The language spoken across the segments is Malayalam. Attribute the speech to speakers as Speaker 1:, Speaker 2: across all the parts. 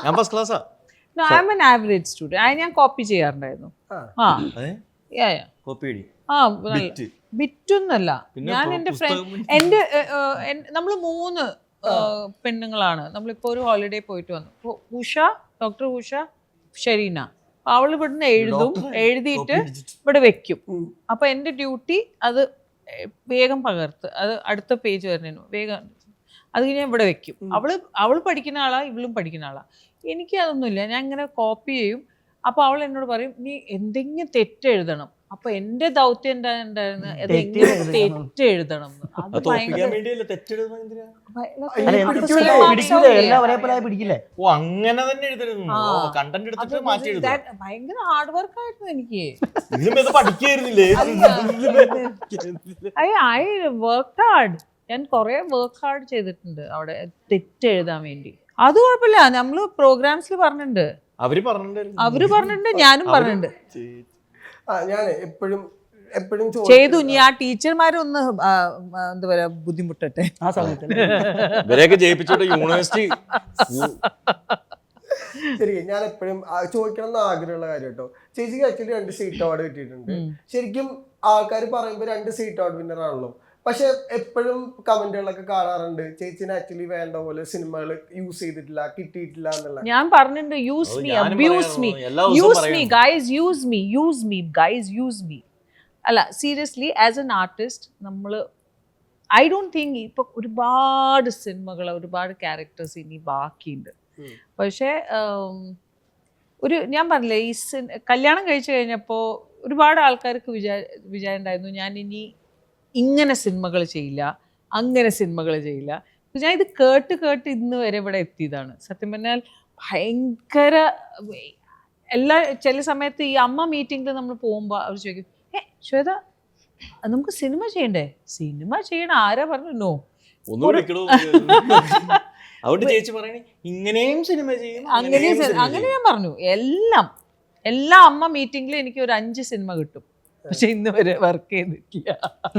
Speaker 1: ഞാൻ ഫസ്റ്റ് ക്ലാസ്സാ.
Speaker 2: No, I'm an average student. ഞാൻ കോപ്പി ചെയ്യാറുണ്ടായിരുന്നു. ആ
Speaker 1: കോപ്പി
Speaker 2: ബിറ്റൊന്നല്ല. ഞാൻ എൻ്റെ ഫ്രണ്ട് നമ്മൾ 3 പെണ്ണുങ്ങളാണ്. നമ്മളിപ്പോൾ ഒരു ഹോളിഡേ പോയിട്ട് വന്നു. ഉഷ, ഡോക്ടർ ഉഷ, ഷെരീന. അവൾ ഇവിടുന്ന് എഴുതിയിട്ട് ഇവിടെ വെക്കും. അപ്പൊ എൻ്റെ ഡ്യൂട്ടി അത് വേഗം പകർത്ത് അത് അടുത്ത പേജ് വരുന്നതിന് വേഗം അത് ഞാൻ ഇവിടെ വെക്കും. അവൾ പഠിക്കുന്ന ആളാ, ഇവളും പഠിക്കുന്ന ആളാ. എനിക്ക് അതൊന്നുമില്ല. ഞാൻ ഇങ്ങനെ കോപ്പി ചെയ്യും. അപ്പൊ അവൾ എന്നോട് പറയും നീ എന്തെങ്കിലും തെറ്റെഴുതണം. അപ്പൊ എന്റെ ദൗത്യം എന്താ ഉണ്ടായിരുന്നു, തെറ്റെഴുതണം. അത് ഭയങ്കര ഹാർഡ് വർക്ക് ആയിരുന്നു എനിക്ക്. I work hard. ഞാൻ കുറെ വർക്ക് ഹാർഡ് ചെയ്തിട്ടുണ്ട് അവിടെ തെറ്റെഴുതാൻ വേണ്ടി. അത് കുഴപ്പമില്ല. നമ്മള് പ്രോഗ്രാംസിൽ പറഞ്ഞിട്ടുണ്ട്, അവര് പറഞ്ഞിട്ടുണ്ട്, ഞാനും പറഞ്ഞിട്ടുണ്ട്.
Speaker 3: ഞാൻ എപ്പോഴും
Speaker 2: ചെയ്തു. ഇനി ആ ടീച്ചർമാരൊന്ന് എന്താ പറയാ ബുദ്ധിമുട്ടട്ടെ ആ സമയത്ത്.
Speaker 3: ശരി, ഞാൻ എപ്പോഴും ചോദിക്കണം എന്ന് ആഗ്രഹമുള്ള കാര്യം കേട്ടോ. ചേച്ചിക്ക് ആക്ച്വലി 2 സീറ്റ് അവാർഡ് കിട്ടിയിട്ടുണ്ട്. ശരിക്കും ആൾക്കാർ പറയുമ്പോൾ 2 സീറ്റ് അവാർഡ് വിന്നർ ആണല്ലോ. പക്ഷെ എപ്പോഴും കമന്റുകളൊക്കെ കാണാറുണ്ട് ചേച്ചിനെ ആക്ച്വലി വേണ്ട പോലെ സിനിമകൾ യൂസ് ചെയ്തിട്ടില്ല, കിട്ടിയിട്ടില്ല എന്നുള്ള.
Speaker 2: ഞാൻ പറഞ്ഞിട്ടുണ്ട് use me, abuse me, use me guys, use me, use me guys, use me. അല്ല സീരിയസ്ലി ആസ് എൻ ആർട്ടിസ്റ്റ് നമ്മൾ ഐ ഡോണ്ട് തിങ്ക് ഇപ്പൊ ഒരുപാട് സിനിമകൾ, ഒരുപാട് ക്യാരക്ടേഴ്സ് ഇനി ബാക്കിയുണ്ട്. പക്ഷേ ഞാൻ പറഞ്ഞില്ലേ ഈ കല്യാണം കഴിച്ചു കഴിഞ്ഞപ്പോൾ ഒരുപാട് ആൾക്കാർക്ക് വിചാരം ഉണ്ടായിരുന്നു ഞാൻ ഇനി ഇങ്ങനെ സിനിമകൾ ചെയ്യില്ല, അങ്ങനെ സിനിമകൾ ചെയ്യില്ല. ഞാൻ ഇത് കേട്ട് ഇന്ന് വരെ ഇവിടെ എത്തിയതാണ്. സത്യം പറഞ്ഞാൽ ഭയങ്കര ചില സമയത്ത് ഈ അമ്മ മീറ്റിങ്ങിൽ നമ്മൾ പോകുമ്പോൾ അവർ ചോദിക്കും ശ്വേത നമുക്ക് സിനിമ ചെയ്യണ്ടേ? സിനിമ ചെയ്യണം ആരാ പറഞ്ഞു? നോ. അങ്ങനെ ഞാൻ പറഞ്ഞു. എല്ലാ അമ്മ മീറ്റിങ്ങിലും എനിക്ക് ഒരു 5 സിനിമ കിട്ടും. പക്ഷെ ഇന്ന് വരെ വർക്ക് ചെയ്തിട്ടില്ല.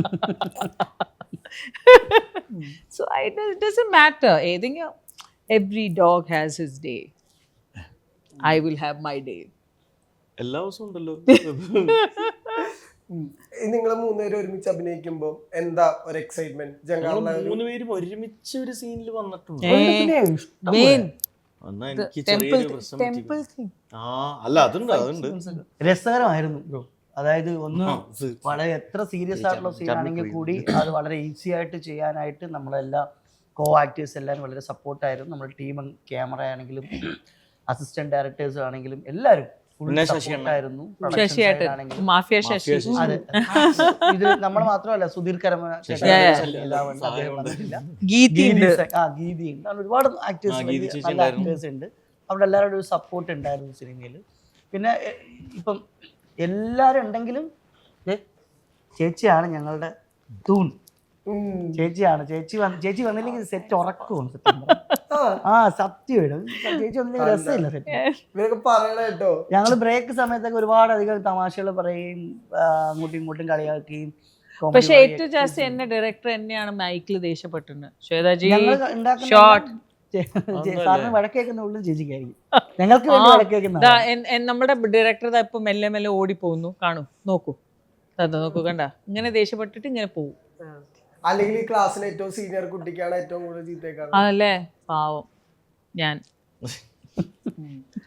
Speaker 2: So it doesn't matter. ഏതെങ്കിലും every dog has his day. I will have my day.
Speaker 1: എല്ലാ ദിവസവും ഉണ്ടല്ലോ.
Speaker 3: നിങ്ങൾ 3 പേരും ഒരുമിച്ച് അഭിനയിക്കുമ്പോ എന്താ ഒരു എക്സൈറ്റ്മെന്റ്?
Speaker 1: 3 പേരും ഒരുമിച്ച് ഒരു സീനിൽ വന്നിട്ടുണ്ട്.
Speaker 4: രസകരമായിരുന്നു. അതായത് ഒന്ന് വളരെ എത്ര സീരിയസ് ആയിട്ടുള്ള സീനാണെങ്കിൽ കൂടി അത് വളരെ ഈസി ആയിട്ട് ചെയ്യാനായിട്ട് നമ്മളെല്ലാം ആക്ടേഴ്സ് എല്ലാവരും വളരെ സപ്പോർട്ടായിരുന്നു. നമ്മുടെ ടീം, ക്യാമറ ആണെങ്കിലും അസിസ്റ്റന്റ് ഡയറക്ടേഴ്സ് ആണെങ്കിലും എല്ലാവരും ആയിരുന്നു. ഇത് നമ്മൾ മാത്രമല്ല, സുധീർ കരമ, ഗീതിയുണ്ട്, ഒരുപാട് ആക്ടേഴ്സ് ഉണ്ട്. അവിടെ എല്ലാവരുടെ ഒരു സപ്പോർട്ട് ഉണ്ടായിരുന്നു സിനിമയിൽ. പിന്നെ ഇപ്പം എല്ലാരും ഉണ്ടെങ്കിലും ചേച്ചിയാണ് ഞങ്ങളുടെ തൂൺ. ചേച്ചിയാണ്. ചേച്ചി വന്നില്ലെങ്കിൽ സെറ്റ് ഉറക്കും. സത്യം ചേച്ചി വന്നില്ലെങ്കിൽ രസമില്ല സെറ്റ്. ഞങ്ങള് ബ്രേക്ക് സമയത്തൊക്കെ ഒരുപാട് അധികം തമാശകൾ പറയും, അങ്ങോട്ടും ഇങ്ങോട്ടും കളിയാക്കുകയും.
Speaker 2: പക്ഷെ ഏറ്റവും ജാസ്തി എന്നെ ഡയറക്ടർ എന്നെയാണ് മൈക്കിൽ ദേഷ്യപ്പെട്ടിട്ടുണ്ട്. ശ്വേതാജി
Speaker 4: സാറിന് വഴക്കേക്കുന്ന ഉള്ളിൽ ചേച്ചിക്കായിരിക്കും. ഞങ്ങൾക്ക് വേണ്ടി വഴക്കേക്കുന്ന
Speaker 2: നമ്മുടെ ഡയറക്ടർ ഇപ്പൊ മെല്ലെ മെല്ലെ ഓടിപ്പോകുന്നു. കാണൂ, നോക്കൂ, കണ്ട ഇങ്ങനെ ദേഷ്യപ്പെട്ടിട്ട് ഇങ്ങനെ പോകും.
Speaker 3: അല്ലെങ്കിൽ ഈ ക്ലാസ്സിലെ ഏറ്റവും സീനിയർ കുട്ടിക്കാണ് ഏറ്റവും കൂടുതൽ ചീത്തയേക്കാണ്.
Speaker 2: അതല്ലേ പാവം ഞാൻ.